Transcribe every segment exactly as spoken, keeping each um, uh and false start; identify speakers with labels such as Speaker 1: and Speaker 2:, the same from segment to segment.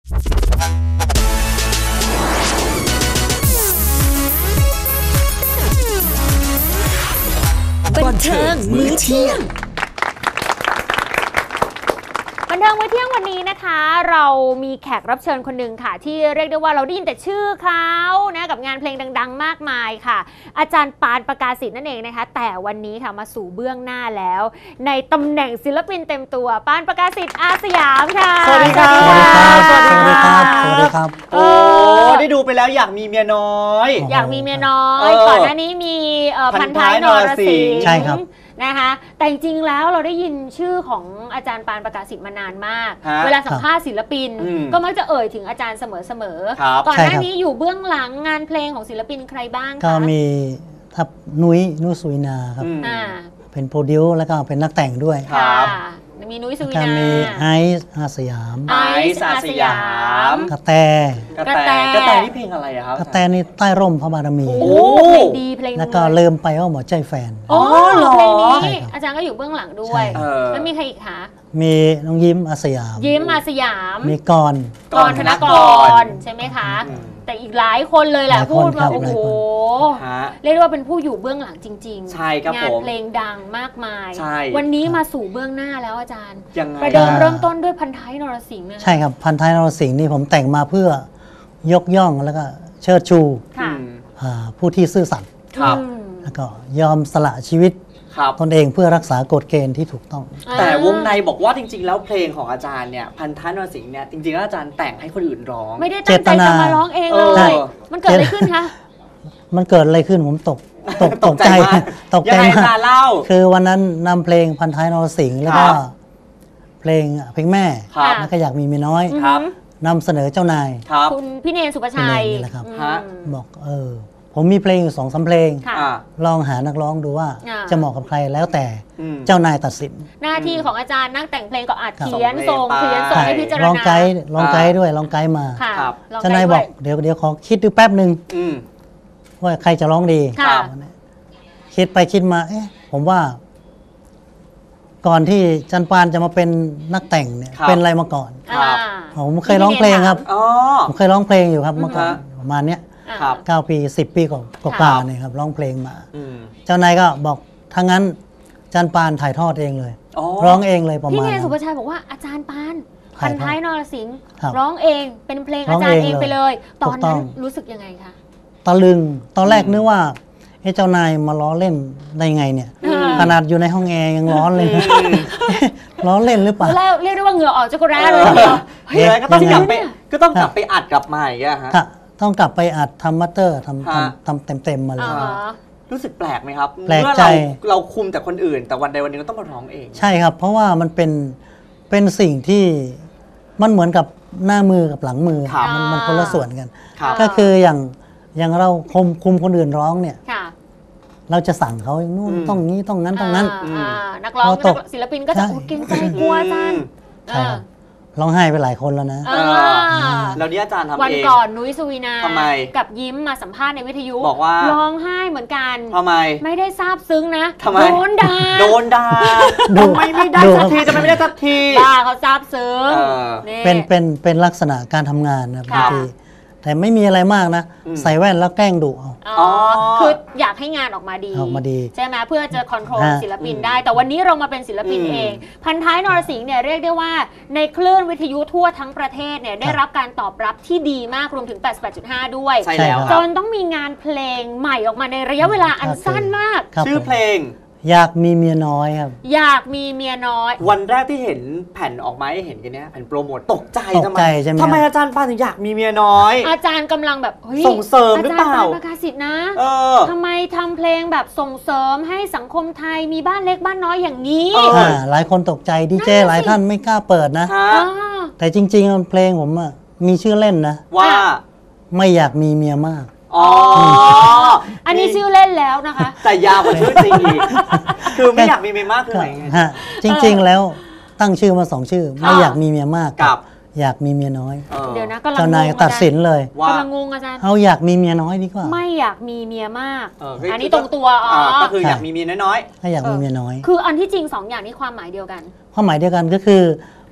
Speaker 1: บันเทิงมื้อเที่ยงบันเทิงมื้อเที่ยงวันนี้นะคะเรามีแขกรับเชิญคนหนึ่งค่ะที่เรียกได้ว่าเราได้ยินแต่ชื่อเขานะกับงานเพลงดังๆมากมายค่ะอาจารย์ปานประกาศิษย์นั่นเองนะคะแต่วันนี้ค่ะมาสู่เบื้องหน้าแล้วในตำแหน่งศิลปินเต็มตัวปานประกาศิษย์อาสยามค่ะ
Speaker 2: สวัสดีครับ
Speaker 3: สวัสดีครับสวัสดีครับ
Speaker 2: โอ้ได้ดูไปแล้วอยากมีเมียน้อย
Speaker 1: อยากมีเมียน้อยก่อนหน้านี้มีพันท้ายนรสิงห์
Speaker 3: ใช่ครับ
Speaker 1: นะคะแต่จริงๆแล้วเราได้ยินชื่อของอาจารย์ปานประกาศิษย์มานานมากเวลาสัมภาษณ์ศิลปินก็มักจะเอ่ยถึงอาจารย์เสมอๆก่อนหน้านี้อยู่เบื้องหลังงานเพลงของศิลปินใครบ้างคะ
Speaker 3: ก็มีทับนุ้ยนุ้ยสุวินาครับเป็นโปรดิวซ์แล้วก็เป็นนักแต่งด้วย
Speaker 1: มีนุ้ยสุวินา
Speaker 3: มีไอซ์อาสยาม
Speaker 2: ไอซ์อาสยาม
Speaker 3: กระแต
Speaker 2: กระแตกระแตนี่เพลงอะไรครับ
Speaker 3: กระแตนี่ใต้ร่มพระบารมี
Speaker 1: โอ้เพลงดีเพลง
Speaker 3: แล้วก็เริ่มไปว่าหมอใจแฟน
Speaker 1: อ๋อเหรอเพลงนี้อาจารย์ก็อยู่เบื้องหลังด้วยแล้วมีใครอีกคะ
Speaker 3: มีน้องยิ้มอาสยาม
Speaker 1: ยิ้มอาสยาม
Speaker 3: มีกร
Speaker 1: กรธนกรใช่ไหมคะแต่อีกหลายคนเลยแหละพูดว่าโอ้โหเรียกว่าเป็นผู้อยู่เบื้องหลังจริงๆ
Speaker 2: ใช่ครับ
Speaker 1: งานเพลงดังมากมายวันนี้มาสู่เบื้องหน้าแล้วอาจารย์ประเดิมเริ่มต้นด้วยพันท้ายนรสิงห์
Speaker 3: ใช่ครับพันท้ายนรสิงห์นี่ผมแต่งมาเพื่อยกย่องแล้วก็เชิดชูผู้ที่ซื่อสัตย์แล้วก็ยอมสละชีวิตตนเองเพื่อรักษากฎเกณฑ์ที่ถูกต้อง
Speaker 2: แต่วงในบอกว่าจริงๆแล้วเพลงของอาจารย์เนี่ยพันท้ายนรสิงห์เนี่ยจริงๆแล้วอาจารย์แต่งให้คนอื่นร้อง
Speaker 1: ไม่ได้ตั้งใจจะมาร้องเองเลยมันเกิดอะไรขึ้นคะ
Speaker 3: มันเกิดอะไรขึ้นผมตกตกตกใจตกใจมากคือวันนั้นนำเพลงพันท้ายนรสิงห์แล้วก็เพลงเพลงแม่แล้วก็อยากมีเมียน้อยนำเสนอเจ้านาย
Speaker 1: คุณพี่เนรสุภชัย
Speaker 3: นี่แหละครับบอกเออผมมีเพลงอยู่สองสามเพลงลองหานักร้องดูว่าจะเหมาะกับใครแล้วแต่เจ้านายตัดสิน
Speaker 1: หน้าที่ของอาจารย์นักแต่งเพลงก็อาจเขียนส่งเขียนส่งให้พิจารณา
Speaker 3: ลองไกด์ลองไกด์ด้วยลองไกด์มาเจ้านายบอกเดี๋ยวเดี๋ยวขอคิดดูแป๊บหนึ่งว่าใครจะร้องดีคิดไปคิดมาเอ๊ะผมว่าก่อนที่จันปานจะมาเป็นนักแต่งเนี่ยเป็นอะไรมาก่อนผมเคยร้องเพลงครับผมเคยร้องเพลงอยู่ครับเมื่อก่อนประมาณเนี้ยเก้าปีสิบปีกว่าๆเนี่ยครับร้องเพลงมาเจ้านายก็บอกถ้างั้นจันปานถ่ายทอดเองเลยร้องเองเลยประมาณ
Speaker 1: พี่เนรสุภชัยบอกว่าอาจารย์ปานพันท้ายนรสิงห์ร้องเองเป็นเพลงอาจารย์เองไปเลยตอนนั้นรู้สึกยังไงคะ
Speaker 3: ตะลึงตอนแรกนึกว่าเจ้านายมาล้อเล่นได้ไงเนี่ยขนาดอยู่ในห้องแอร์ยังร้อนเลยล้อเล่นหรือเปล่า
Speaker 1: แล้วเรียกได้ว่าเหงื่อออกจากกระแร้เลย
Speaker 2: เฮ้ยก็ต้องกลับไปก็ต้องกลับไปอัดกลับมาอย่างเงี้ยฮะ
Speaker 3: ต้องกลับไปอัดทำมัตเตอร์ทำทำทำเต็มเต็มมาเลย
Speaker 2: รู้สึกแปลกไหมครับ
Speaker 3: แปลกใจ
Speaker 2: เราคุมแต่คนอื่นแต่วันใดวันหนึ่งก็ต้องมาร้องเอง
Speaker 3: ใช่ครับเพราะว่ามันเป็นเป็นสิ่งที่มันเหมือนกับหน้ามือกับหลังมือมันมันคนละส่วนกันก็คืออย่างอย่างเราคุมคุมคนอื่นร้องเนี่ยเราจะสั่งเขาอย่างนู้นต้องนี้ต้องนั้นต้องนั้น
Speaker 1: นักร้องศิลปินก็จะเกรงใจกลัวจัง
Speaker 3: ร้องไห้ไปหลายคนแล้วนะ
Speaker 2: แล้วนี่อาจารย์ทำเอง
Speaker 1: วันก่อนนุ้ยสุวินา
Speaker 2: ทำไม
Speaker 1: กับยิ้มมาสัมภาษณ์ในวิทยุ
Speaker 2: บอกว่า
Speaker 1: ร้องไห้เหมือนกัน
Speaker 2: ทำไม
Speaker 1: ไม่ได้ซาบซึ้งนะ
Speaker 2: โด
Speaker 1: นด่า
Speaker 2: โดนด่าทำไมไม่ได้สักทีทำไมไม่ได้สักที
Speaker 1: บ้าเขาซาบซึ้ง
Speaker 3: เป็นเป็นเป็นลักษณะการทำงานนะบางทีแต่ไม่มีอะไรมากนะใส่แว่นแล้วแกล้งดุเอา
Speaker 1: อ๋อคืออยากให้งานออกมาดี
Speaker 3: ออกมาดี
Speaker 1: ใช่ไหมเพื่อจะคอนโทรลศิลปินได้แต่วันนี้เรามาเป็นศิลปินเองพันท้ายนรสิงห์เนี่ยเรียกได้ว่าในคลื่นวิทยุทั่วทั้งประเทศเนี่ยได้รับการตอบรับที่ดีมากรวมถึง แปดสิบแปดจุดห้า ด้วย
Speaker 2: ใช่แล้ว
Speaker 1: จนต้องมีงานเพลงใหม่ออกมาในระยะเวลาอันสั้นมาก
Speaker 2: ชื่อเพลง
Speaker 3: อยากมีเมียน้อยครับ
Speaker 1: อยากมีเมียน้อย
Speaker 2: วันแรกที่เห็นแผ่นออกมาให้เห็นกันเนี้ยแผ่นโปรโมทตกใจ
Speaker 3: ทำไม
Speaker 2: ทำไมอาจารย์ปานถึงอยากมีเมียน้อย
Speaker 1: อาจารย์กำลังแบบ
Speaker 2: ส่งเสริมหรือเปล่า
Speaker 1: อาจารย์ปานประกาศิษย์นะทำไมทำเพลงแบบส่งเสริมให้สังคมไทยมีบ้านเล็กบ้านน้อยอย่างนี้
Speaker 3: หลายคนตกใจดีเจหลายท่านไม่กล้าเปิดนะแต่จริงๆเพลงผมมีชื่อเล่นนะ
Speaker 2: ว่า
Speaker 3: ไม่อยากมีเมียมาก
Speaker 2: อ๋อ
Speaker 1: อันนี้ชื่อเล่นแล้วนะคะ
Speaker 2: แต่ยาวกว่าชื่อจริงอีกคือไม่อยากมีเมียมากคือไง
Speaker 3: ฮะจริงๆแล้วตั้งชื่อมาสองชื่อไม่อยากมีเมียมากกับอยากมีเมียน้อย
Speaker 1: เดี๋ยวนะกำลัง
Speaker 3: เจ้านายตัดสินเลย
Speaker 1: กำลังงงอาจารย์
Speaker 3: เอาอยากมีเมียน้อยดีกว่า
Speaker 1: ไม่อยากมีเมียมากอันนี้ตรงตัวอ๋อ
Speaker 2: ก็คืออยากมีเมียน้อย
Speaker 3: ๆถ้าอยากมีเมียน้อย
Speaker 1: คืออันที่จริงสองอย่างนี้ความหมายเดียวกัน
Speaker 3: ความหมายเดียวกันก็คือ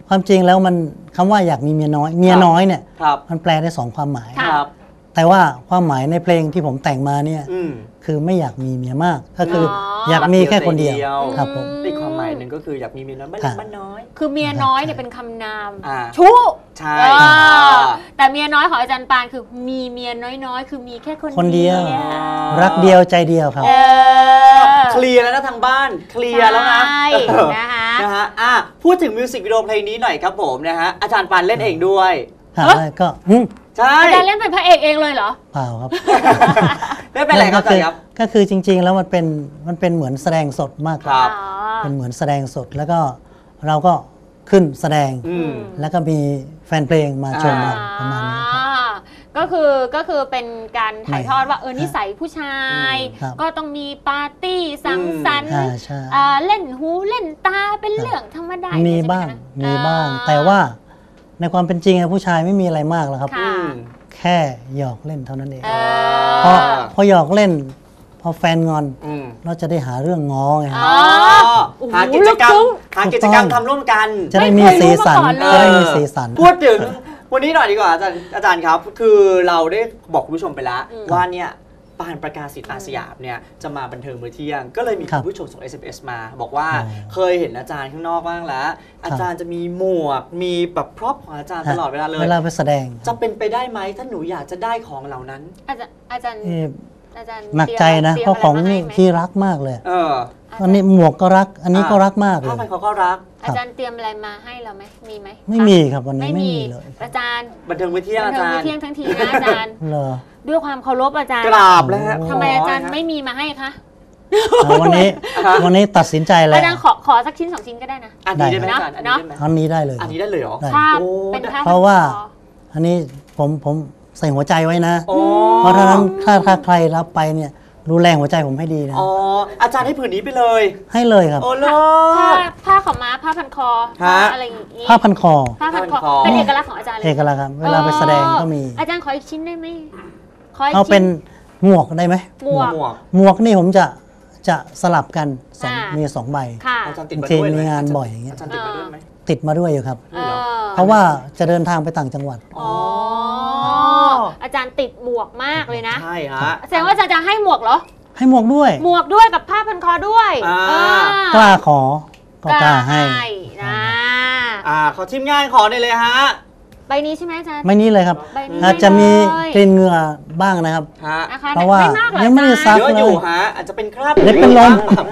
Speaker 3: ความจริงแล้วมันคำว่าอยากมีเมียน้อยเมียน้อยเนี่ย
Speaker 2: ครับ
Speaker 3: มันแปลได้สองความหมาย
Speaker 2: ครับ
Speaker 3: แต่ว่าความหมายในเพลงที่ผมแต่งมาเนี่ย
Speaker 2: อืม
Speaker 3: คือไม่อยากมีเมียมากก็คือ
Speaker 1: อ๋อ
Speaker 3: อยากมีแค่คนเดียว
Speaker 2: รักเดียว
Speaker 3: ครับผม
Speaker 2: อีกความหมายหนึ่งก็คืออยากมีเมียน้อยบ้านเล็กบ้านน้อย
Speaker 1: คือเมียน้อยเนี่ยเป็นคำนาม
Speaker 2: อ่า
Speaker 1: ชู้
Speaker 2: ใช่
Speaker 1: อ่าแต่เมียน้อยของอาจารย์ปานคือมีเมียน้อยๆ คือมีแค่คน
Speaker 3: คนเดียว
Speaker 1: เดียว
Speaker 3: รักเดียวใจเดียวครับ
Speaker 1: เออ
Speaker 2: เคลียร์แล้วนะทางบ้านเคลียร์แล้วนะ
Speaker 1: ใช่
Speaker 2: เออ
Speaker 1: นะคะ
Speaker 2: นะฮะอ่ะพูดถึงมิวสิกวิดีโอเพลงนี้หน่อยครับผมนะฮะอาจารย์ปานเล่นเองด้วย
Speaker 3: หาได้ก็หึ
Speaker 2: ใช่
Speaker 1: อาจารย์เล่นเป็นพระเอกเองเลยเหรอ
Speaker 3: เปล่าครับ
Speaker 2: เล่นเป็นอะไรครับอาจารย์ครับ
Speaker 3: ก็คือจริง ๆ แล้วมันเป็นมันเป็นเหมือนแสดงสดมากกว่า
Speaker 2: ครับ
Speaker 3: เป็นเหมือนแสดงสดแล้วก็เราก็ขึ้นแสดง
Speaker 2: อืม
Speaker 3: แล้วก็มีแฟนเพลงมาชม
Speaker 2: อ่า
Speaker 3: เราประมาณนี้ครับ
Speaker 1: อ่าก็คือก็คือเป็นการถ่ายทอดว่าเออ
Speaker 3: ครับ
Speaker 1: นิสัยผู้ชาย
Speaker 3: อืมครับ
Speaker 1: ก็ต้องมีปาร์ตี้สังสรรค์
Speaker 3: อ่าใช่
Speaker 1: อ่าเล่นหูเล่นตาเป็นเรื่องธรรมดา
Speaker 3: มี
Speaker 1: ใช่ไห
Speaker 3: บ้าง
Speaker 1: คะ
Speaker 3: มีบ้าง
Speaker 1: อ่
Speaker 3: แต่ว่าในความเป็นจริงอะผู้ชายไม่มีอะไรมากหรอกครับ
Speaker 1: ค่ะ
Speaker 2: อืม
Speaker 3: แค่หยอกเล่นเท่านั้นเอง
Speaker 1: เอ
Speaker 3: พอ
Speaker 1: อ
Speaker 3: พอหยอกเล่น พอแฟนงอน
Speaker 2: อืม
Speaker 3: เราจะได้หาเรื่องง้อไงค
Speaker 1: อ๋
Speaker 3: รับ
Speaker 1: อ
Speaker 2: อ๋อหากิจกรรมหากิจกรรมทำร่วมกัน
Speaker 3: จะได้มีสีสัน
Speaker 1: ไม่เคยรู้มาก่อนเลย
Speaker 3: จะได้มีสีสัน
Speaker 2: พูดถึงวันนี้หน่อยดีกว่าอาจารย์อาจารย์ครับ คือเราได้บอกคุณผู้ชมไปแล้ว
Speaker 1: อืม
Speaker 2: ว่าเนี่ยปานประกาศสิทธิ์อาสยามเนี่ยจะมาบันเทิงมื้อเที่ยง ก็เลยมี
Speaker 3: ครั
Speaker 2: คุ
Speaker 3: บ
Speaker 2: ณผู้ชมส่ง เอส เอ็ม เอส มา บอกว่า
Speaker 3: อ๋อ
Speaker 2: เคยเห็นอาจารย์ข้างนอกบ้างแล้ว อาจารย์จะมีหมวกมีแบบพร็อพของอาจารย์ตลอดเวลาเลย
Speaker 3: เวลาไปแสดง
Speaker 2: จะเป็นไปได้ไหมถ้าหนูอยากจะได้ของเหล่านั้น
Speaker 1: อาจารย์อาจารย์
Speaker 3: เอ่อ
Speaker 1: อาจารย์
Speaker 3: หนักใจนะ
Speaker 1: ตยม
Speaker 3: เพราะของ
Speaker 1: ะไรมา
Speaker 3: นี่
Speaker 1: ให้ไหม
Speaker 3: ที่รักมากเลย
Speaker 2: เออ
Speaker 3: อันนี้หมวกก็รัก อันนี้ก็รักมากเล
Speaker 2: ผ้าย พันเขาก็รัก
Speaker 1: อาจารย์เตรียมอะไรมาให้เราไหมมีไหม
Speaker 3: ไม่มีครับวันนี้
Speaker 1: ไม่
Speaker 3: ไม่
Speaker 1: มี
Speaker 3: มีเลย
Speaker 1: อาจารย์
Speaker 2: บันเทิงมื้อเที่ยง
Speaker 1: บัน
Speaker 2: อา
Speaker 1: เทิง
Speaker 2: จาร
Speaker 1: มื้อ
Speaker 2: ย์
Speaker 1: เที่ยงทั้งทีนะอาจารย์
Speaker 3: เหรอ
Speaker 1: ด้วยความเคารพอาจารย์
Speaker 2: กราบแล้วฮะ
Speaker 1: ทำไมอาจารย์
Speaker 2: ข
Speaker 1: ไม่มีมาให้คะ
Speaker 3: เอาวันนี้วันนี้ตัดสินใจแล้ว
Speaker 1: อาจารย์ขอขอสักชิ้นสองชิ้นก็ได้นะ
Speaker 2: อันนี้ได้ไหม
Speaker 1: ได้
Speaker 2: อาจารย์อันนี้ได้ไหม
Speaker 3: อันนี้ได้เลย
Speaker 2: อันนี้ได้เลยเหรอ
Speaker 3: ได้
Speaker 1: ผ้า
Speaker 2: โอ้
Speaker 1: เป็นผ้า
Speaker 3: เพราะว่า
Speaker 1: พันคอ
Speaker 3: อันนี้ผมผมใส่หัวใจไว้นะ
Speaker 2: โอ้
Speaker 3: เพราะฉะนั้นถ้าถ้าใครรับไปเนี่ยดูแลหัวใจผมให้ดีนะ
Speaker 2: อ๋ออาจารย์ให้ผืนนี้ไปเลย
Speaker 3: ให้เลยครับ
Speaker 2: โอ้โล
Speaker 1: ผ้า
Speaker 2: ด
Speaker 1: ผ้าขาวม้าผ้าพันคอ
Speaker 2: ฮะ
Speaker 1: ผ้าอะไรอย่างงี้
Speaker 3: ผ้าพันคอ
Speaker 1: ผ้าพันคอ
Speaker 2: ผ้าพันคอ
Speaker 1: เป็นเอกลักษณ์ของอาจารย์เลย
Speaker 3: เอกลักษณ์ครับ เวลาไปแสดงก็มี
Speaker 1: อาจารย์ขออีกชิ้นได้ไหมขออีก
Speaker 3: เอาเป็น
Speaker 1: ชิ้
Speaker 3: หมวกได้ไหม
Speaker 1: หมวก
Speaker 2: หมวก
Speaker 3: หมวกนี่ผมจะจะสลับกันสอง
Speaker 1: อ่ามี
Speaker 3: มีสองใบ
Speaker 1: ค่ะ
Speaker 2: อาจารย์ติดมา
Speaker 3: บางที
Speaker 2: ด้วยไห
Speaker 3: มีงานบ่อยอย่างเงี้ย
Speaker 2: อาจารย์ติดมาด้วยไหม
Speaker 3: ติดมาด้วยอยู่ครับ
Speaker 1: เออ
Speaker 3: เพราะว่าจะเดินทางไปต่างจังหวัด
Speaker 1: อ๋ออาจารย์ติดหมวกมากเลยนะ
Speaker 2: ใช่ฮะ
Speaker 1: แสดงว่าอาจารย์จะให้หมวกเหรอ
Speaker 3: ให้หมวกด้วย
Speaker 1: หมวกด้วยกับผ้าพันคอด้วย
Speaker 2: อ่า
Speaker 1: เออก
Speaker 3: ล้าขอก็กล้าให้
Speaker 1: นะ
Speaker 2: อ่าขอทีมงานขอได้เลยฮะ
Speaker 1: ใบนี้ใช่ไหมอาจารย์
Speaker 3: ไม่นี้เลยครับ
Speaker 1: ใบนี้
Speaker 3: อาจจะมี
Speaker 1: เลย
Speaker 3: กลิ่นเหงื่อบ้างนะครับ
Speaker 2: ฮะ
Speaker 1: นะคะ
Speaker 3: เพราะว่า
Speaker 1: ไม่มากหรอก
Speaker 3: ยังไม่ได้
Speaker 1: อา
Speaker 3: ซั
Speaker 1: จารย์
Speaker 3: ก
Speaker 2: เยอะอยู่ฮะอาจจะเป็นคราบ
Speaker 3: เดี๋ยวเป็นลม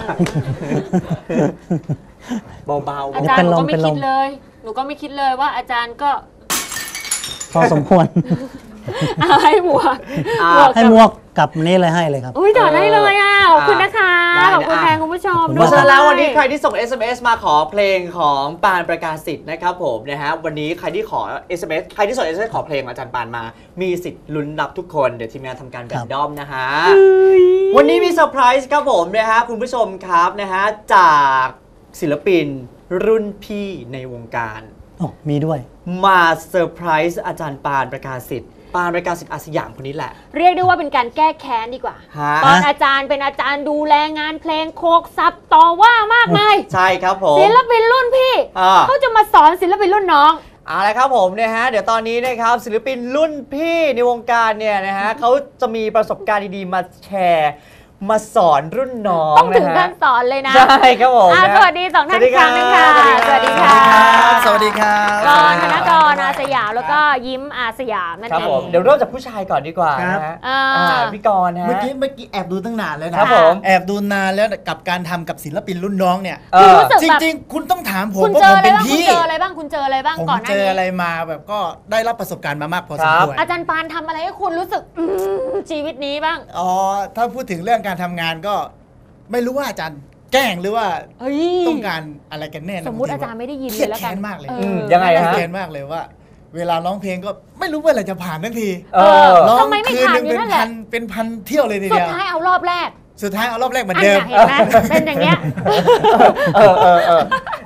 Speaker 2: เบา
Speaker 1: อา
Speaker 2: ๆ
Speaker 1: จารย์หนูก็
Speaker 3: เป็
Speaker 1: ไม่
Speaker 3: นล
Speaker 1: คิ
Speaker 3: ม
Speaker 1: ดเลย หนูก็ไม่คิดเลยว่าอาจารย์ก็
Speaker 3: พอสมควร
Speaker 1: เอาให้หมวก
Speaker 2: อ่า
Speaker 1: หมวก
Speaker 3: ให้หมวกกับนี้เลยให้เลยครับ
Speaker 1: อุ้ยถอดได้เลยอ่ะขอบคุณนะคะ
Speaker 2: ได้
Speaker 1: ขอบคุณ
Speaker 2: อ่ะ
Speaker 1: แทนคุณผู้ชม
Speaker 3: ขอบคุณ
Speaker 2: เพ
Speaker 1: ด้ว
Speaker 2: ราะ
Speaker 1: ย
Speaker 2: ฉะนั้นแล้ววันนี้ใครที่ส่ง เอส เอ็ม เอส มาขอเพลงของปานประกาศสิทธิ์นะครับผมนะฮะวันนี้ใครที่ขอ เอส เอ็ม เอส ใครที่ส่ง เอส เอ็ม เอส ขอเพลงอาจารย์ปานมา มีสิทธิ์ลุ้นรับทุกคนเดี๋ยวทีมงานทำการแบ่งด้อมนะฮะวันนี้มีเซอร์ไพรส์ครับผมนะฮะคุณผู้ชมครับนะฮะจากศิลปินรุ่นพี่ในวงการ
Speaker 3: โอ้มีด้วย
Speaker 2: มาเซอร์ไพรส์อาจารย์ปานประกาศสิทธิ์ปานประกาศสิทธิ์อาสยามคนนี้แหละ
Speaker 1: เรียกได้ว่าเป็นการแก้แค้นดีกว่า
Speaker 2: ฮะ
Speaker 1: ตอนอาจารย์เป็นอาจารย์ดูแลงานเพลงโคกซับต่อว่ามากมาย
Speaker 2: ใช่ครับผม
Speaker 1: ศิลปินรุ่นพี่
Speaker 2: อ่า
Speaker 1: เขาจะมาสอนศิลปินรุ่นน้อง
Speaker 2: เอาละครับผมเนี่ยฮะเดี๋ยวตอนนี้นะครับศิลปินรุ่นพี่ในวงการเนี่ยนะฮะเขาจะมีประสบการณ์ดีๆมาแชร์มาสอนรุ่นน้อง
Speaker 1: ต้องถึง
Speaker 2: นะ
Speaker 1: กา
Speaker 2: ฮะ
Speaker 1: รสอนเลยนะ
Speaker 2: ใช่ครับผม
Speaker 1: อ่ะ
Speaker 2: นะ
Speaker 1: สวัสดีสองท่าน
Speaker 2: สวัสดี
Speaker 1: อีกครั้งหนึงค่ะ
Speaker 2: ครับ
Speaker 1: สวัสดีค่ะ
Speaker 4: สวัสดีครับ
Speaker 1: กรธนกรอาสยามแล้วก็ยิ้มอาสยามนั่น
Speaker 2: ครับ
Speaker 1: เอ
Speaker 2: ผม
Speaker 1: ง
Speaker 2: เดี๋ยวเริ่มจากผู้ชายก่อนดีกว่า
Speaker 4: ครับ
Speaker 2: นะฮะ
Speaker 1: อ่า
Speaker 2: อ่าพี่กรณ์ฮะ
Speaker 4: เมื่อกี้เมื่อกี้แอบดูตั้งนานแล้วนะครับ
Speaker 2: ผม
Speaker 4: แอบดูนานแล้วกับการทำกับศิลปินรุ่นน้องเนี่ย
Speaker 2: เออ
Speaker 1: รู้สึก
Speaker 4: จ
Speaker 1: แบบ
Speaker 4: ริงๆ คุณต้องถามผม
Speaker 1: คุณ
Speaker 4: ว่า
Speaker 1: เจ
Speaker 4: ผ
Speaker 1: อ
Speaker 4: ม
Speaker 1: อะไร
Speaker 4: เป็น
Speaker 1: บ้างคุณ
Speaker 4: พี่
Speaker 1: เจออะไรบ้างคุณเจออะไรบ้าง
Speaker 4: ผม
Speaker 1: ก่อนหน้า
Speaker 4: เจออะไร
Speaker 1: นี้
Speaker 4: มาแบบก็ได้รับประสบการณ์มามากพอสมควร
Speaker 1: อาจารย์ปานทำอะไรให้คุณรู้สึกอืมชีวิตนี้บ้าง
Speaker 4: อ๋อถ้าพูดถึงเรื่องการทำงานก็ ไม่รู้ว่าอาจารย์แกล้งหรือว่า
Speaker 1: เฮ้ย
Speaker 4: ต้องการอะไรกันแน่นะ
Speaker 1: สมมุติอาจารย์ไม่ได้ยิน
Speaker 4: เค
Speaker 1: เล
Speaker 4: รีย
Speaker 1: ย
Speaker 4: ด
Speaker 1: แล้วกั
Speaker 4: แค้
Speaker 1: น
Speaker 4: นมากเลย
Speaker 1: เออ
Speaker 2: มยังไง
Speaker 4: เครียด
Speaker 2: ฮะ
Speaker 4: แค้นมากเลยว่า เวลาร้องเพลงก็ไม่รู้เมื่อไหร่จะผ่านทันที
Speaker 2: เออ
Speaker 4: ร้อง
Speaker 1: ทำไมไม่
Speaker 4: คืน
Speaker 1: ผ่าน
Speaker 4: หนึ่ง
Speaker 1: อยู่
Speaker 4: เป็น
Speaker 1: นั่นแหละ
Speaker 4: พันเป็นพันเที่ยวเลยที
Speaker 1: สุด
Speaker 4: เดียว
Speaker 1: ท้ายเอารอบแรก
Speaker 4: สุดท้ายเอารอบแรกเหมือน
Speaker 1: อัน
Speaker 4: เดิม
Speaker 1: น่ะเห็นไหมเป็นอย่างเงี้ย
Speaker 2: เออเออเออ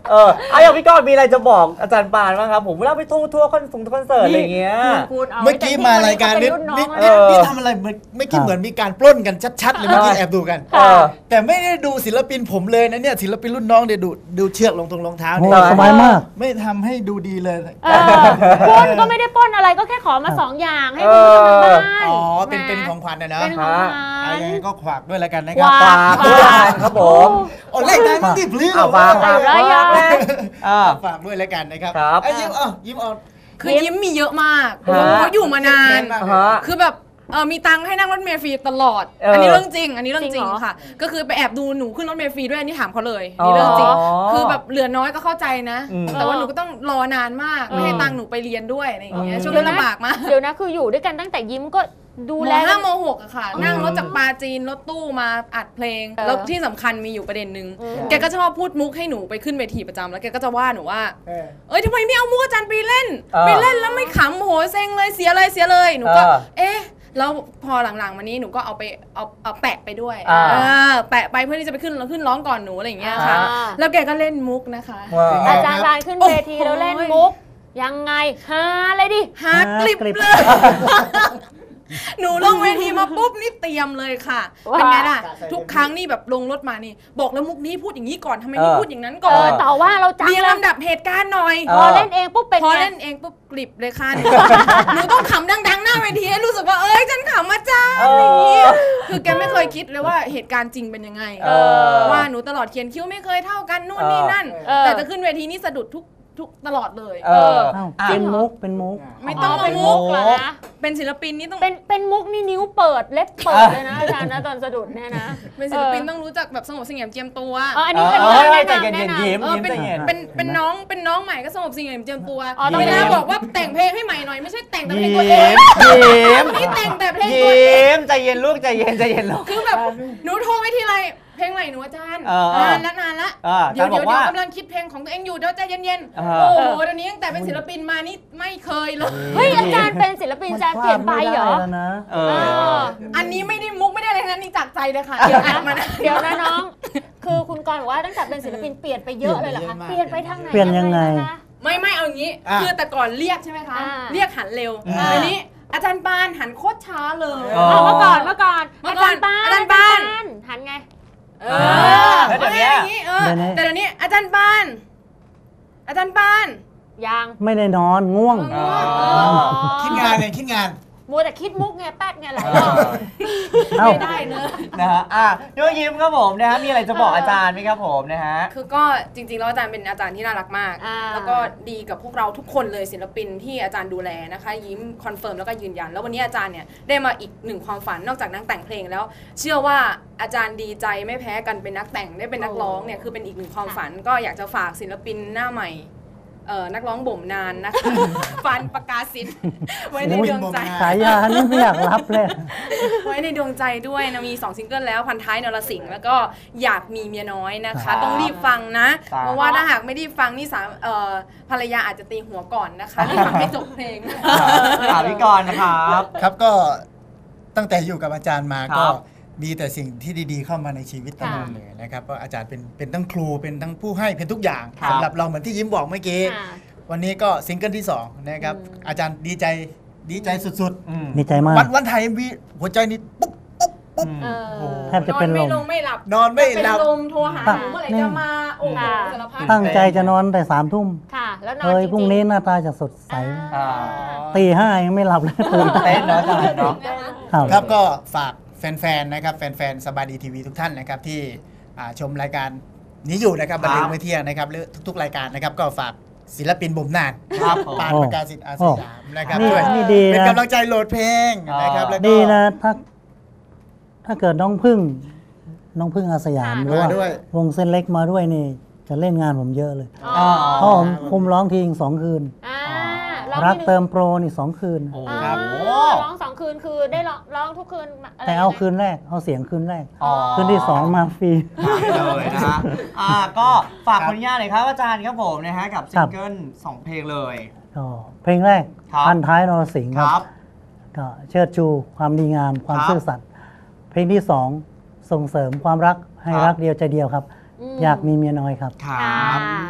Speaker 2: เออเอาอย่างพี่กรณ์มีอะไรจะบอกอาจารย์ปานบ้างครับผมเวลาไปทัวร์ทัวร์คอนเสิร์ตคอนเสิร์ตอะไรอย่างเงี้ย
Speaker 1: พูดๆา
Speaker 4: เมื่อกี้มารายการนี้
Speaker 1: แต่ที่
Speaker 4: นี่
Speaker 1: วันนี้
Speaker 4: นี่
Speaker 1: เขาเป็นรุ่นน้องแล้วนะ
Speaker 4: นี่ทำอะไรเมื่อเมื่อกี้เหมือนมีการปล้นกันชัดๆเลยเมื่อกี้แอบดูกัน
Speaker 1: ค่ะ
Speaker 4: แต่ไม่ได้ดูศิลปินผมเลยนะเนี่ยศิลปินรุ่นน้องเดี๋ยวดูดูเชือกลงตรงรองเท้า
Speaker 3: โอ้
Speaker 4: เนี่ย
Speaker 3: สบายมาก
Speaker 4: ไม่ทำให้ดูดีเลย
Speaker 1: เออปล้นก็ไม่ได้ปล้นอะไรก็แค่ขอมาสองอย่างให้คุณผู้ชมทางบ้าน
Speaker 4: อ๋อเป็น
Speaker 1: แหม
Speaker 4: เป็นของขวัญนะเนาะ
Speaker 1: เป็นของขวั
Speaker 4: เอา
Speaker 1: ญ
Speaker 4: ยังไงก็ขวากด้วยแล้วกันนะครั
Speaker 1: ขวาก
Speaker 2: ฝากด้วยครับผม
Speaker 4: โอ้เลขได้มั้งดิพลื้
Speaker 2: เอาฝากฝาก
Speaker 1: ใส่ร้ายยางเลย
Speaker 2: อ่า
Speaker 4: ฝากด้วยแล้วกันนะครับ
Speaker 2: ครับ
Speaker 4: ไอ้ยิ้มเอ่ะยิ้มเอา
Speaker 5: คือยิ้มมีเยอะมาก
Speaker 2: ฮะ
Speaker 5: เพราะอยู่มานาน
Speaker 4: มาก
Speaker 2: ฮะ
Speaker 5: คือแบบเออมีตังค์ให้นั่งรถเมล์ฟรีตลอด
Speaker 2: เอออั
Speaker 5: อันนี้เรื่องจริง อันนี้เรื่องจ
Speaker 1: จริ
Speaker 5: ริ
Speaker 1: ง
Speaker 5: ง
Speaker 1: เหรอ
Speaker 5: ค่ะ ก็คือไปแอบดูหนูขึ้นรถเมล์ฟรีด้วยอันนี้ถามเขาเลยอันนี่เรื่องจริง
Speaker 2: อ๋อ
Speaker 5: คือแบบเหลือน้อยก็เข้าใจนะ
Speaker 2: อืม
Speaker 5: แต่ว่าหนูก็ต้องรอนานมาก
Speaker 1: เออ
Speaker 5: ไม่ให้ตังค์หนูไปเรียนด้วยอะไรอย่างเงี้ย
Speaker 2: อืม
Speaker 5: ช่วงนั้นลำบากมาก
Speaker 1: เดี๋ยวนะคืออยู่ด้วยกันตั้งแต่ยิ้มก็ดู
Speaker 5: ม
Speaker 1: แล
Speaker 5: ห้า
Speaker 1: กัน
Speaker 5: มหกอะค่ะ นั่งรถจากปาจีนรถตู้มาอัดเพลง
Speaker 1: เออ
Speaker 5: แล้วที่สำคัญมีอยู่ประเด็นหนึ่ง
Speaker 1: อืม
Speaker 5: แกก็ชอบพูดมุกให้หนูไปขึ้นเวทีประจำแล้วแกก็จะว่าหนูว่า
Speaker 4: เออ
Speaker 5: เอ้ยทำไมไม่เอามุกอาจารย์ไปเล่น
Speaker 2: เออ
Speaker 5: ไปเล่นแล้วไม่ขำโหเซ็งเลยเสียเลยเสียเลยหนูก็
Speaker 2: เออ
Speaker 5: เอ๊ะแล้วพอหลังๆมานี้หนูก็เอาไปเอาเอาแปะไปด้วย
Speaker 2: อ่า
Speaker 5: เออแปะไปเพื่อที่จะไปขึ้นขึ้นร้องก่อนหนูอะไรอย่างเงี้ยค่ะ
Speaker 1: อ่า
Speaker 5: แล้วแกก็เล่นมุกนะคะ
Speaker 2: ว้าว
Speaker 1: อาจารย์บานขึ้นเวทีแล้วเล่นมุก ยังไงฮาเลยดิ
Speaker 5: ฮาร์ดกลิป
Speaker 3: ฮาร์ดกลิป
Speaker 5: เลย หนูลงเวทีมาปุ๊บนี่เตรียมเลยค่ะ เป็นไงล่ะ ทุกครั้งนี่แบบลงรถมานี่ บอกแล้วมุกนี้พูดอย่างนี้ก่อนทำไมไม่
Speaker 2: เออ
Speaker 5: พูดอย่างนั้น
Speaker 1: เอ
Speaker 5: ก่อ
Speaker 1: อน ต่อว่าเราจัง
Speaker 5: เรียง
Speaker 1: เลย
Speaker 5: ลำดับเหตุการณ์หน่อย
Speaker 2: เอ
Speaker 1: พอเล่นเองปุ๊บเป็น
Speaker 5: พอ
Speaker 1: ไง
Speaker 5: เล่นเองปุ๊บกลิบเลยค่ะ หนูต้องขำดังๆหน้าเวทีให้รู้สึกว่าเอ้ยฉันขำอาจารย์อะไรอย่างเงี้ยคือแกไม่เคยคิดเลยว่าเหตุการณ์จริงเป็นยังไง
Speaker 2: เออ
Speaker 5: ว่าหนูตลอดเขียนคิ้วไม่เคยเท่ากันนู่นนี่นั่น
Speaker 1: เออ
Speaker 5: แต่จะขึ้นเวทีนี่สะดุดทุกทุกตลอดเลย
Speaker 2: เออ
Speaker 3: เอ้า
Speaker 2: อ่ะ
Speaker 3: เป็นมุกเป็นมุก
Speaker 5: ไม่ต้อง
Speaker 1: เป็น
Speaker 5: มา
Speaker 1: มุ
Speaker 5: มุ
Speaker 1: ก
Speaker 5: ก
Speaker 1: เหรอนะ
Speaker 5: เป็นศิลปินนี่ต้อง
Speaker 1: เป็นเป็นมุกนี่นิ้วเปิดเล็บเปิดเลยนะอาจารย์นะตอนสะดุดเนี่ยนะ
Speaker 5: เป็นศิลปินต้องรู้จักแบบสงบเสงี่ยมเจียมตัว
Speaker 1: เอออันนี้เป็น
Speaker 2: เอ
Speaker 1: การ
Speaker 2: อ
Speaker 1: แนะ
Speaker 2: ใจ
Speaker 1: นำ
Speaker 2: เย็
Speaker 1: แนะ
Speaker 2: น
Speaker 1: นำ
Speaker 2: ๆยิ้ม
Speaker 5: เออ
Speaker 2: ยิ้ม
Speaker 5: เป็น
Speaker 2: ใจเย็น
Speaker 5: เป็นเป็นน้องเป็นน้องใหม่ก็สงบเสงี่ยมเจียมตัว
Speaker 1: อ๋อต้อง
Speaker 5: เวลา
Speaker 1: ยิ้ม
Speaker 5: บอกว่าแต่งเพลงให้ใหม่หน่อยไม่ใช่แต่งแต่เพลง
Speaker 2: ยิ้
Speaker 5: ตัวเอง
Speaker 2: มยิ้ม
Speaker 5: นี่แต่งแต่เพลงตัวเอง
Speaker 2: ยิ้มใจเย็นลูกใจเย็นใจเย็นลูก
Speaker 5: คือแบบหนูโทรไปทีไรเพลงใหม่หนูอาจารย์
Speaker 2: เออ
Speaker 5: นานละนานละ
Speaker 2: เออ
Speaker 5: เดี๋ยว
Speaker 2: อาจารย์
Speaker 5: เดี๋ยว
Speaker 2: บอกว่า
Speaker 5: เดี๋ยวกำลังคิดเพลงของตัวเองอยู่เดี๋ยวใจเย็น
Speaker 2: เอ
Speaker 5: ๆ
Speaker 2: อ
Speaker 5: โอ้โหเดี๋ยวนี้ตั้งแต่เป็นศิลปินมานี่ไม่เคยเลย
Speaker 1: เฮ้ยอาจารย์เป็นศิลปินอาจารย์เปลี่ยนไปเหรอ
Speaker 3: มันพลาดไม่ได้แล้วนะ
Speaker 2: เอ
Speaker 1: เอ
Speaker 2: อ
Speaker 1: อ
Speaker 5: อันนี้ไม่ได้มุกไม่ได้อะไรทั้งนั้นนี่จากใจเลยค่ะ
Speaker 1: เดี๋ยวนะ
Speaker 5: มานะ
Speaker 1: เดี๋ยวนะน้อง คือคุณกรณ์บอกว่าตั้งแต่เป็นศิลปินเปลี่ยนไปเยอะเลยเหรอคะ
Speaker 4: เป
Speaker 1: เป
Speaker 4: ลี่
Speaker 1: ลี่
Speaker 4: ย
Speaker 1: ย
Speaker 4: น
Speaker 1: น
Speaker 4: ไป
Speaker 1: ไป
Speaker 4: เยอะ
Speaker 1: ทางไหน
Speaker 3: เปลี่ยนยังไง
Speaker 1: อะรนะคะ
Speaker 5: ไม่ไม่เอาอย่างนี้
Speaker 4: อ่ะ
Speaker 5: คือแต่ก่อนเรียกใช่ไหมคะ
Speaker 1: อ่า
Speaker 5: เรียกหันเร็ว
Speaker 4: อ่า
Speaker 5: เดี๋ยวนี้อาจารย์ปานหันโคตรช้าเลย
Speaker 2: อ๋อ
Speaker 1: เอาเมื่อก่อนเมื่อก่อน
Speaker 5: เมื่
Speaker 1: อา
Speaker 5: อก่
Speaker 1: จา
Speaker 5: อน
Speaker 1: รย์ป้าน
Speaker 5: อาจารย์ปาน
Speaker 1: หันไง
Speaker 5: เอ
Speaker 1: อ
Speaker 5: อ
Speaker 2: แล้วเดี๋ยวนี้
Speaker 5: อย่างนี้เออ
Speaker 3: เดี๋ยวนี้
Speaker 5: แต่เดี๋ยวนี้อาจารย์ปาน อาจารย์ปาน
Speaker 1: ยัง
Speaker 3: ไม่ได้นอนง่วง
Speaker 2: อ๋อ
Speaker 4: คิดงานเนี่ยคิดงาน
Speaker 1: มัวแต่คิดมุกไงแป๊ดไงหลาย
Speaker 2: เอ
Speaker 1: รอบ
Speaker 2: อ
Speaker 3: เอ้า
Speaker 5: ไม่ได้เลย
Speaker 2: นะฮะอ่ะน้องยิ้มครับผมนะฮะมีอะไรจะบอกอาจารย์ไหมครับผมนะฮะ
Speaker 5: คือก็จริงๆแล้วอาจารย์เป็นอาจารย์ที่น่ารักมาก
Speaker 1: อ่า
Speaker 5: แล้วก็ดีกับพวกเราทุกคนเลยศิลปินที่อาจารย์ดูแลนะคะ ยิ้มคอนเฟิร์มแล้วก็ยืนยัน แล้ววันนี้อาจารย์เนี่ยได้มาอีกหนึ่งความฝันนอกจากนักแต่งเพลงแล้ว เชื่อว่าอาจารย์ดีใจไม่แพ้กันเป็นนักแต่งได้เป็นนักร้องเนี่ยคือเป็นอีกหนึ่งความฝัน ก็อยากจะฝากศิลปินหน้าใหม่เอ่อนักร้องบ่มนานนะคะ ฟันประกาศสิทธิ์ไว้ในดวงใจ
Speaker 3: ฉายานี่ไม่อยากรับเลย
Speaker 5: ไว้ในดวงใจด้วยนะมีสองซิงเกิลแล้วพันท้ายนรสิงห์แล้วก็อยากมีเมียน้อยนะ
Speaker 2: ครั
Speaker 5: คะ
Speaker 2: บ
Speaker 5: ต้องรีบฟังนะ
Speaker 2: ครับ
Speaker 5: เพราะว่าถ้าหากไม่ได้ฟังนี่สามเอ่อภรรยาอาจจะตีหัวก่อนนะคะรีบฟังให้จบเพลง
Speaker 2: ถามพี่กรณ์นะครับ
Speaker 4: ครับก็ตั้งแต่อยู่กับอาจารย์มา
Speaker 2: ครับ
Speaker 4: ก็มีแต่สิ่งที่ดีๆเข้ามาในชีวิตตลอดเลยนะครับเพราะอาจารย์เป็นเป็นทั้งครูเป็นทั้งผู้ให้เป็นทุกอย่าง
Speaker 2: ครับ
Speaker 4: สำหรับเราเหมือนที่ยิ้มบอกเมื่อกี้
Speaker 1: ค่ะ
Speaker 4: วันนี้ก็ซิงเกิลที่สองนะครับ
Speaker 1: อืม
Speaker 4: อาจารย์ดีใจดีใจสุด
Speaker 2: อืม
Speaker 3: ดีใจมาก
Speaker 4: ๆ วันวันถ่ายเอ็มวีหัวใจนี่ปุ๊บปุ๊บปุ๊บ
Speaker 2: อืม
Speaker 1: เออ
Speaker 3: แทบจะเป็น
Speaker 5: นอน
Speaker 3: ล
Speaker 5: ไม่
Speaker 3: ม
Speaker 5: ลงไม่หลับ
Speaker 4: นอนไม่หลับ
Speaker 5: เป็นลมโทรหาหนูเมื่อไหร่จะมาโอ้โห
Speaker 1: ค่ะ
Speaker 5: สารพัด
Speaker 3: ตั้งใจจะนอนแต่สามทุ่ม
Speaker 1: ค่ะ แล้วนอน
Speaker 3: เฮ้ย
Speaker 1: จริงๆ
Speaker 3: พรุ่งนี้หน้าตาจะสดใส
Speaker 1: อ่า
Speaker 3: ตีห้ายังไม่หลับเลยตื่น
Speaker 2: เต้นเนาะอาจารย์เนาะ
Speaker 3: ครับ
Speaker 4: ครับก็ฝากแฟนๆนะครับแฟนๆสบายดีทีวีทุกท่านนะครับที่อ่าชมรายการนี้อยู่นะครับ
Speaker 2: ครับ
Speaker 4: บันเทิงมื้อเที่ยงนะครับหรือทุกๆรายการนะครับก็ฝากศิลปินบ่มนาน
Speaker 2: ครับผม
Speaker 4: ปานประกาศสิทธิ์อาสยามนะครับ
Speaker 3: นี่
Speaker 4: ด้วย
Speaker 3: นี่ดี
Speaker 4: เป็น
Speaker 3: นะ
Speaker 4: กำลังใจโหลดเพลงนะครับแล้วก็
Speaker 3: ดีนะถ้าถ้าเกิดน้องพึ่ง น้องพึ่งอาสยาม
Speaker 1: ค่ะ
Speaker 3: หรือว่า
Speaker 4: มาด้วย
Speaker 3: วงเส้นเล็กมาด้วยนี่ จะเล่นงานผมเยอะเลย
Speaker 1: อ๋อ
Speaker 3: เพราะผมคุมร้องทีสองคืน
Speaker 1: อ่า
Speaker 3: รัก
Speaker 1: ที่หนึ่ง
Speaker 3: เติมโปรนี่สองคืน
Speaker 2: โอ้
Speaker 1: อ่า
Speaker 2: ครับ
Speaker 1: ร้องสองคืนคือได้ร้องร้องทุกคืนะไร
Speaker 3: แต่เอา
Speaker 1: ย่งงี้ย
Speaker 3: คืนแรก เอาเสียงคืนแรก
Speaker 2: อ๋อ
Speaker 3: คืนที่สองมาฟรี
Speaker 2: เลยนะฮะอ่าก็ฝากผลงานหน่อยครับอาจารย์ครับผมนะฮะกับซิงเกิลสองเพลงเลย
Speaker 3: ก็เพลงแรก
Speaker 2: ครับ
Speaker 3: พันท้ายนรสิงห์
Speaker 2: ค
Speaker 3: ค
Speaker 2: รั
Speaker 3: รั
Speaker 2: บบ
Speaker 3: ก็เชิดชูความดีงามความ
Speaker 2: ครับ
Speaker 3: ซื่อสัตย์เพลงที่สองส่งเสริมความรักให้
Speaker 2: ครับ
Speaker 3: รักเดียวใจเดียวครับ
Speaker 1: อืม
Speaker 3: อยากมีเมียน้อยครับ
Speaker 2: ครับ
Speaker 1: ค่ะ
Speaker 2: อืม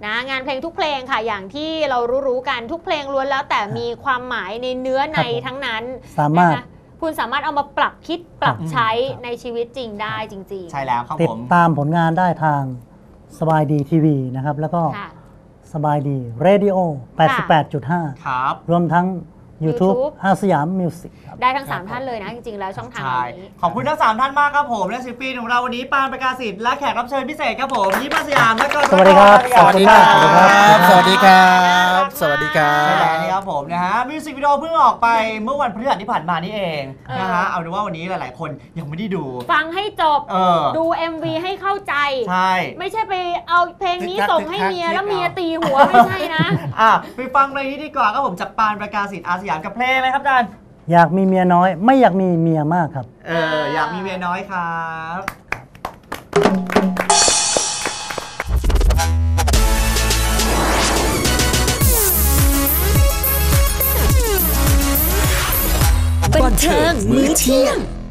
Speaker 1: นะงานเพลงทุกเพลงค่ะอย่างที่เรารู้ๆกันทุกเพลงล้วนแล้วแต่มีความหมายในเนื้อในทั้งนั้น
Speaker 3: สามารถ
Speaker 1: นะคะคุณสามารถเอามาปรับคิดปรับใช้ในชีวิตจริงได้จริงๆ
Speaker 2: ใช่แล้วครับ
Speaker 3: ติ
Speaker 2: ผ
Speaker 3: ด
Speaker 2: ม
Speaker 3: ตามผลงานได้ทางสบายดีทีวีนะครับแล้วก็สบายดีเรดิโอ แปดสิบแปดจุดห้า
Speaker 2: ครับ
Speaker 3: รวมทั้ง YouTube
Speaker 1: YouTube
Speaker 3: อาสยามมิวสิกครับ
Speaker 1: ได้ทั้งสามท่านเลยนะจริงๆแล้วช่องทางนี้
Speaker 2: ขอบคุณทั้งสามท่านมากครับผมและศิลปินของเราวันนี้ปานประกาศสิทธิ์และแขกรับเชิญพิเศษครับผมยิ้มอาสยามและก็
Speaker 3: สวัสดีครับ
Speaker 4: สวัสดีครับสวัสดีครับสวัสดีครั
Speaker 2: ใช่แล้ว
Speaker 4: บ
Speaker 2: นี่ครับผมนะฮะมิวสิกวิดีโอเพิ่งออกไปเมื่อวันพฤหัสที่ผ่านมานี่เองนะฮะเอาเป็นว่าวันนี้หลายๆ คนยังไม่ได้ดู
Speaker 1: ฟังให้จบ
Speaker 2: เออ
Speaker 1: ดู เอ็ม วี ให้เข้าใจ
Speaker 2: ใช่
Speaker 1: ไม่ใช่ไปเอาเพลงนี้ส่งให้เมียแล้วเมียตีหัวไม่ใช่นะ
Speaker 2: อ่ะไปฟังเพลงนี้ดีกว่าครับผมจากปานประกาศสิทธิ์อาสยามกับเพลงอะไรครับอาจารย์
Speaker 3: อยากมีเมียน้อย ไม่อยากมีเมียมากครับ
Speaker 2: เอออยากมีเมียน้อยครับ
Speaker 6: บันเทิงมื้อเที่ยง